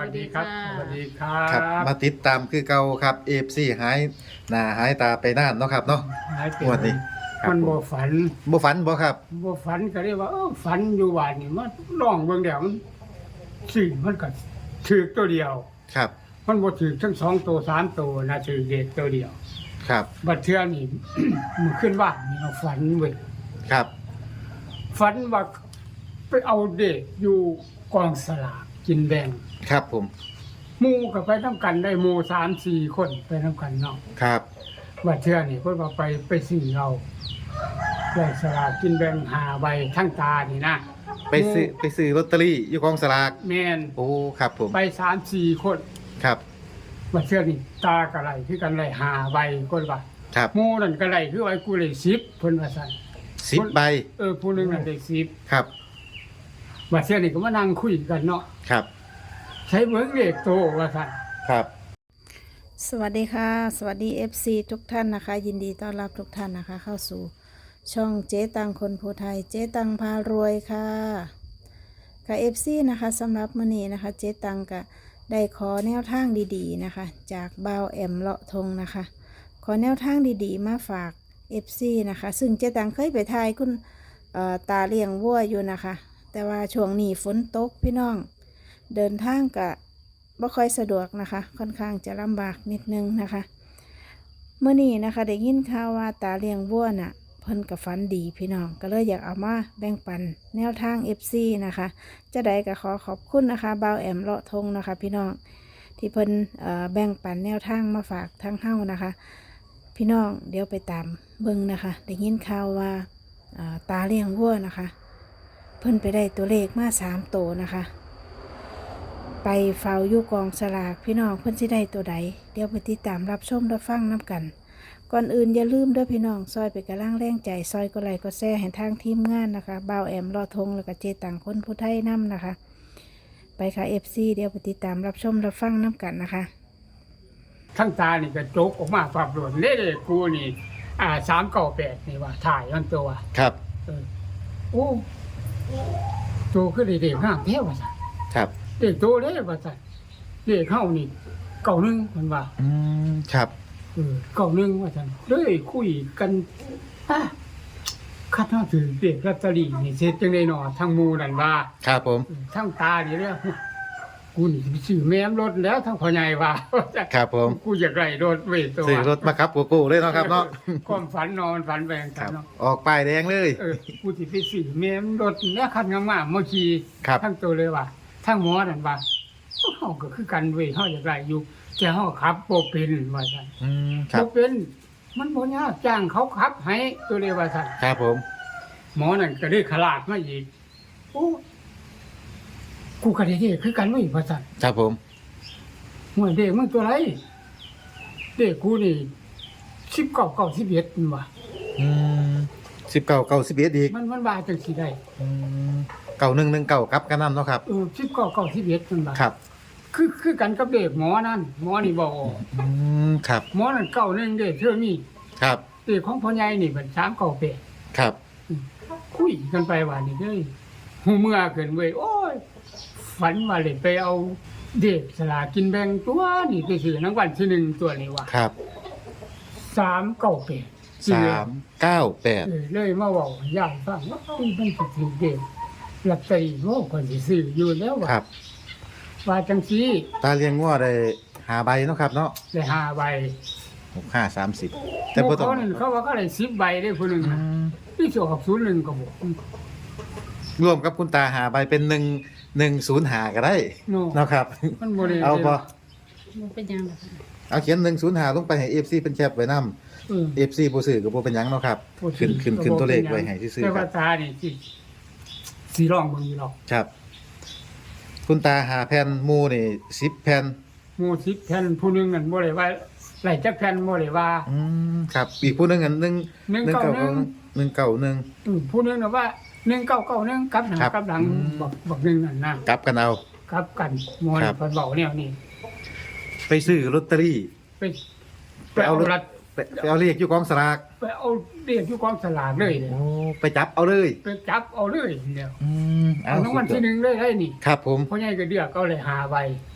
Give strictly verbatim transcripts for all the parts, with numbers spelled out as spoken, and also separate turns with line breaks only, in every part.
วัสดีครับสวัสดีครั
ครับ
บ
มาติดตามคือเก่าครับ เอ เอฟ ซี หายหน้าหายตาไปนานเนาะครับเนาะ
หายไป
งวดนี้ครับ
มัน
ผม
บ่ฝัน
บ่ฝันบ่ครับ
บ่ฝันก็เรียกว่าเออฝันอยู่บ้านนี่มันร้องเบิ่งแล้วมันสิ่งมันก็ถือตัวเดียว
ครับ
มันบ่ถือทั้งสองตัวสามตัวนะถือเด็กตัวเดียว
ครับ
บัดเทื่อนี่ มันขึ้นบ้านนี่เราฝันเว้ย
ครับ
ฝันว่าไปเอาเด็กอยู่กองสลากกินแบ่ง
ครับผม
หมู่ก็ไปนํกันได้หมู่สามสี่คนไปนํกันเนาะ
ครับ
บัดเทื่อนี่เพิ่นว่าไปไปซื้อเราได้สลากกินแบ่งห้าใบทั้งตานี่นะ
ไปซื้อไปซื้อลอตเตอรี่อยู่กองสลาก
แม่น
โอ้ครับผม
ไปสามสี่คน
ครับ
บัดเทื่อนี่ตากะไรคือกันได้ห้าใบคนว่า
ครับ
หมู่นั่นกะไรคือไว้กูได้สิบเพิ่นว่าซั่น
สิบใบ
เออผู้หนึงนั่นได้สิบ
ครับ
บัดเทื่อนี่ก็มานั่งคุยกันเนาะ
ครับ
ใช้เบิ่งเลขโตว่าซั่น
ครับ
สวัสดีค่ะ สวัสดี เอฟ ซี ทุกท่านนะคะ ยินดีต้อนรับทุกท่านนะคะ เข้าสู่ช่องเจ๊ตังคนภูไทยเจ๊ตังพารวยค่ะค่ะ เอฟ ซี นะคะสำหรับมื้อนี้นะคะ เจ๊ตังก็ได้ขอแนวทางดีๆนะคะ จากบ่าวแอมเลาะทงนะคะ ขอแนวทางดีๆ มาฝาก เอฟ ซี นะคะ ซึ่งเจ๊ตังเคยไปทายคุณเอ่อตาเลี้ยงวัวอยู่นะคะ แต่ว่าช่วงนี้ฝนตกพี่น้องเดินทางกะบ่ค่อยสะดวกนะคะ ค่อนข้างจะลำบากนิดนึงนะคะเมื่อนี้นะคะได้ยินข่าวว่าตาเลี้ยงวัวน่ะเพิ่นกับฝันดีพี่น้องก็เลยอยากเอามาแบ่งปันแนวทาง เอฟ ซี นะคะจะได้ก็ขอขอบคุณนะคะบ่าวแอมเลาะทงนะคะ พี่น้องที่เพิ่นเอ่อแบ่งปันแนวทางมาฝากทั้งเฮ้านะคะ พี่น้องเดี๋ยวไปตามเบิ่งนะคะได้ยินข่าวว่าเอ่อตาเลี้ยงวัวนะคะ เพิ่นไปได้ตัวเลขมาสามตัวนะคะไปเฝ้าอยู่กองสลากพี่น้องเพิ่นสิได้ตัวใดเดี๋ยวไปติดตามรับชมรับฟังน้ำกัน ก่อนอื่นอย่าลืมเด้อพี่น้องซอยไปกระล่างแรงใจซอยก็ไลค์ก็แซ่ให้ทางทีมงานนะคะบ่าวแอมรอทงแล้วก็เจตังคนผู้ไทยนำนะคะ ไปค่ะ เอฟ ซี เดี๋ยวไปติดตามรับชมรับฟังน้ำกันนะคะ
ทั้งตานี่ก็โจกออกมาปรับโดนเด้ๆกูนี่อ่าสามเก้าแปดนี่ว่าถ่ายมันตัว
ครับ
เออโอ้โตคือได้เด็กห้ามแท้ว่าซั่น
ครับ
เด็กโตเด้ว่าซั่นเด็กเฮานี่เก่าหนึงเพิ่นว่า
อืมครับ
เออเก่าหนึงว่าซั่นเลยคุยกันอ่ะคัดเฮาถือเด็กลอตเตอรี่นี่เสร็จจังได๋เนาะทั้งหมู่นั่นว่า
ครับผม
เออทั้งตานี่เด้อกูนี่สิไปซื้อแม่มรถแล้วทั้งพ่อใหญ่ว่า
ครับผม
กูอยากได้รถเว้ยตัว
ซื้อรถมาครับกูกูเลยเนาะครับเนาะ
ความฝันนอนฝันแบง
ค
กั
รั
น
บ
เนาะ
ออกป้ายแดงเลย
เออกูสิไปซื้อแม่มรถแล้วคันงามๆมาขี่
ครับ
ทั้งตัวเลยว่าทั้งหมอนั่นว่าเฮาก็คือกันเว้ยเฮาอยากได้อยู่แต่เฮาขับบ่เป็นว่าซั่น
อืมครับ
บ่เป็นมันบ่ยากจ้างเขาขับให้ตัวเลยว่าซั่น
ครับผม
หมอนั่นก็ได้ขลาดมาอีกโอ้กูก็ได้เด้คือกันเว้ยว่าซั่น
ครับผม
ห่วยเด็กมันตัวไรเด็กกูนี่สิบเก้าเก้าสิบเอ็ดมันว่า
อืมสิบเก้าเก้าสิบเอ็ดอีก
มันมันว่าจังสิได้
อืมเก้าหนึ่งหนึ่งเก้าครับกันนั่นเนาะครับ
เออสิบเก้าเก้าสิบเอ็ดมันว่า
ครับ
คือคือกันกับเด็กหมอนั่นหมอนี่บอก
อืมครับ
หมอนั่นเก้าหนึ่งเด็กเท่านี้
ครับ
เด็กของพ่อใหญ่นี่เป็นสามเก้าแปด
ครับ
คุยกันไปว่านี่เด้ยหูเมื่อเกินเว้ยโอ้ยฝันว่าเลยไปเอาเด็กสลากินแบ่งตัวนี่ไปซื้อรางวัลที่หนึ่งตัวนี้ว่า
ครับ
สามเก้าแปด
สามเก้าแปด
เออเลยมาเว้าให้ยายฟังว่าเอ้ยมันสิถือเด็กลอตเตอรี่โอ้คนสิซื้ออยู่แล้วว่า
ครับ
ว่าจังซี่
ตาเลี้ยงงัวได้หาใบเนาะครับเนาะ
ได้ห้าใบ
หกห้าสามสิบแต่
แต่
บ่
บ่
ต้
ต้
อ
อง งเขาว่าเขาได้สิบใบได้ผู้หนึง
อื
น่ะ
ม
นี่สิออกศูนย์หนึ่งก็บ่
รวมกับคุณตาหาใบเป็นหนึ่งหนึ่งศูนย์หาก็ได้
โน่
เนาะครับ
มันบ่ได้
เอาบ่
มันเป็นยังไงคะ
เอาเขียนหนึ่งศูนย์หาลงไปให้ เอฟ ซี เป็นแคปไว้นำ
เออ
เอฟ ซี บ่ซื้อก็บ่เป็นหยังเนาะครับ
บ่ซื้
ขึ้น
อ
ขึ้นขึ้นตัวเลขไว้ให้ซื่อ
แต่
ๆค
ว่า
รับ
ตานี่สิสิร้องเบิ่งอยู่หรอก
ครับ คุณตาหาแผ่นหมู่นี่สิบแผ่น
หมู่สิบแผ่นผู้หนึงนั่นบ่ได้ว่าไล่จักแผ่นบ่ได้ว่า
อืมครับอีกผู้หนึงอันหนึ่ง
หนึ่งเก้าหนึ่ง
หนึ่งเก้าหนึ่ง
อือผู้หนึงน่ะว่าหนึ่งเก้าเก้าหนึ่งกลับหน้า
ครับ
กลับหลัง
อืม
บอกบอกหนึงนั่นน่ะ
กลับกันเอา
กลับกันหมอ
ครั
นี่
บ
เพิ่นเว้าแนวนี้
ไปซื้อลอตเตอรี่
ไป
ไปเอา
รัด
ไปไปเอาเลขอยู่กองสลาก
ไปเอาเรียกอยู่กองสลากเลยเนี่ย
โอ้ไปจับเอาเลย
ไปจับเอาเลยเดียว
อืม
เอารางวัลที่หนึ่งเลยได้นี่
ครับผม
พ่อใหญ่ก็เดือกเอาเลยหาใบ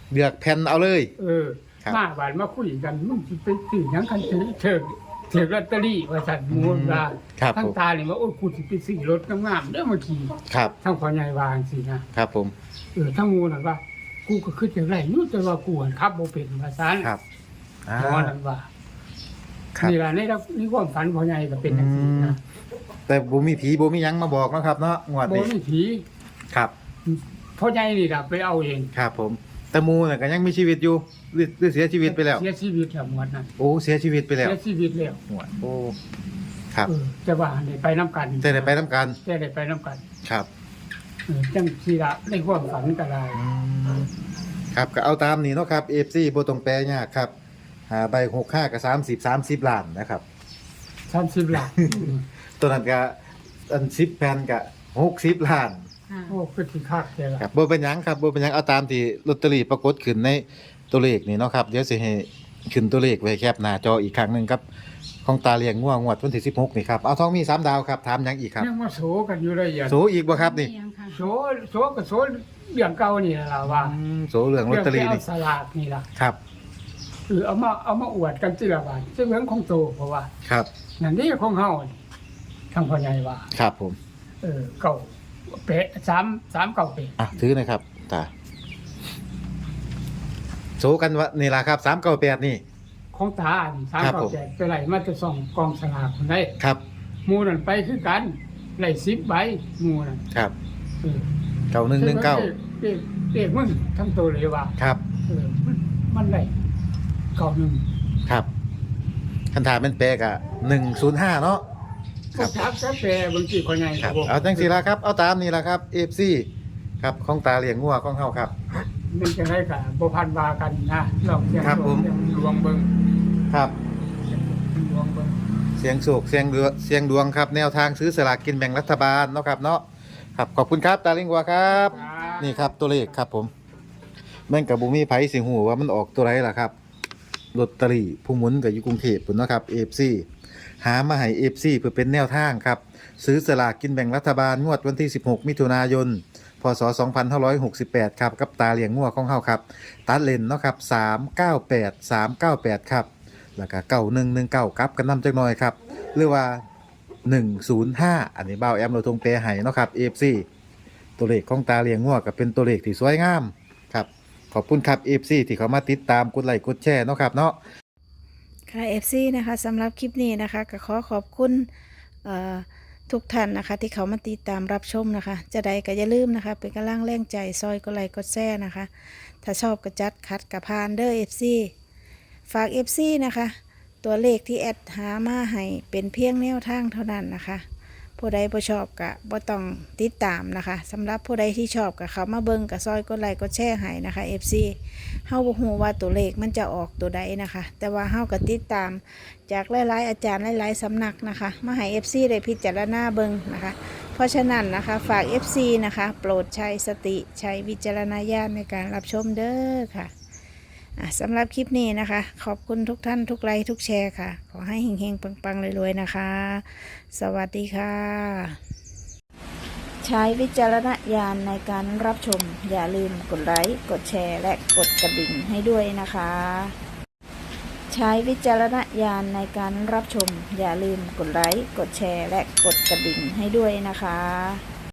เลือกแผ่นเอาเลย
เออ
ครับ
มาบานมาคุยกันมึงสิไปซื้อหยังกันเถอะเถิกเถิกลอตเตอรี่ว่าซั่นหมู่ว่า
ครับ
ทั้ง
ผม
ตานี่ว่าโอ้ยกูสิไปซื้อรถงามๆเด้อมาขี่
ครับ
ทั้งพ่อใหญ่วาจังซี่นะครับ
ผม
เออทั้งหมู่นั่นว่า กูก็คิดจังไดอยู่แต่ว่ากูหันขับบ่เป็นว่าซั่น
ครับอ่า
หมอนั่นว่า
ครับ
นี่ล่ะในในความฝันพ่อใหญ่ก็เป็นจังซี่นะ
แต่บ่มีผีบ่มีหยังมาบอกเนาะครับเนาะงวด
บ่
นี้
มีผี
ครับ
พ่อใหญ่นี่ล่ะไปเอาเอง
ครับผมแต่หมูน่ะก็ยังมีชีวิตอยู่หรือหรือเสียชีวิตไปแล้ว
เสียชีวิตแล้วหมดนั้น
โอ้เสียชีวิตไปแล้ว
เสียชีวิตแล้ว
หวดโอ้ครับ
เออแต่ว่าได้ไปนํกัน
จะได้ไปนํกัน
แต่ได้ไปนํกัน
ครับ
เออจังซี่ล่ะในความฝันก็ได้
อืมครับก็เอาตามนี้เนาะครับ เอฟ ซี บ่ต้องแปลยากครับหาใบหกสิบห้ากับสามสิบ สามสิบล้านนะครับ
สามสิบล้าน
ตัวนั้นก็อันสิบแผ่นก็หกสิบล้าน
โอ้คือที่คักแท้ล่ะ
ครับบ่เป็นหยังครับบ่เป็นหยังเอาตามที่ลอตเตอรี่ปรากฏขึ้นในตัวเลขนี่เนาะครับเดี๋ยวสิให้ขึ้นตัวเลขไว้แคปหน้าจออีกครั้งหนึงครับของตาเลี้ยงง่วงงวดวันที่สิบหกนี่ครับเอาทองมีสามดาวครับถามหยังอีกครับ
ยังมาโสกันอยู่เลยอย่า
โสอีกบ่ครับนี่
โสโสก็โสเรื่องเก่านี่ล่ะว่า
อืมโสเรื่องลอตเตอรี่
เรื่อง
นี่
ที่เอาสลากนี่ล่ะ
ครับ
เออเอามาเอามาอวดกันทีละบาทซึ่งเรื่องของโตเพราะว่า
ครับ
นั่นนี่ของเฮานี่ทางพ่อใหญ่ว่า
ครับผม
เออเก่าเป๊ะสามสามเก่าเป๊ะ
อ่ะถือหนะครับตาโสกันว่านี่ล่ะครับสามเก้าแปดนี่
ของตานี่สาม
ครับ
เก่า
ผม
แปดไปไหลมาจะส่องกองสลากคนได้
ครับ
หมู่นั่นไปคือกันไหลสิบใบหมู่นั่น
ครับ
เออ
เก้าหนึ่งหนึ่งเก้า
เด็กเด็กมึงทั้งตัวเลยว่า
ครับ
เออมันมันไหลเก่าหนึ่ง
ครับคันถามเป็นแปลกอะหนึ่งศูนย์ห้าเนาะ ค
ก็
รับ
ทักกาแฟบางทีคนใหญ่
ครับ
ผม
เอาจังสีละครับ เอาตามนี่ละครับเอฟซีครับของตาเลี้ยงงัวของเฮาครับ
มันจะได้กับบ่พันวากันนะลองเสียง
ครับผม
เสียงดวงเบิ่ง
ครับ
ดวงเบิ่ง
เสียงโศกเสียงดวงเสียงดวงครับ แนวทางซื้อสลากกินแบ่งรัฐบาลเนาะครับเนาะครับขอบคุณครับตาเลี้ยงงัวครับ นี่ครับตัวเลขครับผมแม่งกับบุมีไผสิหูว่ามันออกตัวไรล่ะครับลอตเตอรี่ผู้หมุนกับอยู่กรุงเทพฯพุ่นเนาะครับ เอ เอฟ ซี หามาให้ เอ เอฟ ซี เพื่อเป็นแนวทางครับ ซื้อสลากกินแบ่งรัฐบาลงวดวันที่ สิบหก มิถุนายน พศ สองพันห้าร้อยหกสิบแปด ครับกับตาเลี้ยงงัวของเฮาครับ ตัดเลนเนาะครับ สาม เก้า แปด สาม เก้า แปด ครับ แล้วก็เก้าหนึ่งหนึ่งเก้าครับกันนำจักหน่อยครับ หรือว่า หนึ่งศูนย์ห้า อันนี้เบ้าแอมเราทงเปรให้เนาะครับ เอ เอฟ ซี ตัวเลขของตาเลี้ยงงัวก็เป็นตัวเลขที่สวยงามครับ ขอบคุณครับ เอ เอฟ ซี ที่เขามาติดตามกดไลค์กดแชร์เนาะครับเนาะ
ค่ะ เอฟ ซี นะคะสำหรับคลิปนี้นะคะก็ขอขอบคุณเอ่อทุกท่านนะคะที่เขามาติดตามรับชมนะคะ จะได้ก็อย่าลืมนะคะเป็นกำลังแรงใจซอยก็ไลค์กดแชร์นะคะ ถ้าชอบก็จัดคัดกับพานเด้อ เอฟ ซี ฝาก เอฟ ซี นะคะ ตัวเลขที่แอดหามาให้เป็นเพียงแนวทางเท่านั้นนะคะ ผู้ใดบ่ชอบก็บ่ต้องติดตามนะคะสำหรับผู้ใดที่ชอบก็เขามาเบิ่งก็ซอยกดไลค์กดแชร์ให้นะคะ เอฟ ซี เฮาบ่ฮู้ว่าตัวเลขมันจะออกตัวใดนะคะ แต่ว่าเฮาก็ติดตามจากหลายๆอาจารย์หลายๆสำนักนะคะมาให้ เอฟ ซี ได้พิจารณาเบิ่งนะคะ เพราะฉะนั้นนะคะฝาก เอฟ ซี นะคะโปรดใช้สติใช้วิจารณญาณในการรับชมเด้อค่ะอ่ะสำหรับคลิปนี้นะคะ ขอบคุณทุกท่านทุกไลค์ทุกแชร์ค่ะ ขอให้เฮงๆปังๆรวยๆนะคะ สวัสดีค่ะ ใช้วิจารณญาณในการรับชม อย่าลืมกดไลค์กดแชร์และกดกระดิ่งให้ด้วยนะคะ ใช้วิจารณญาณในการรับชม อย่าลืมกดไลค์กดแชร์และกดกระดิ่งให้ด้วยนะคะ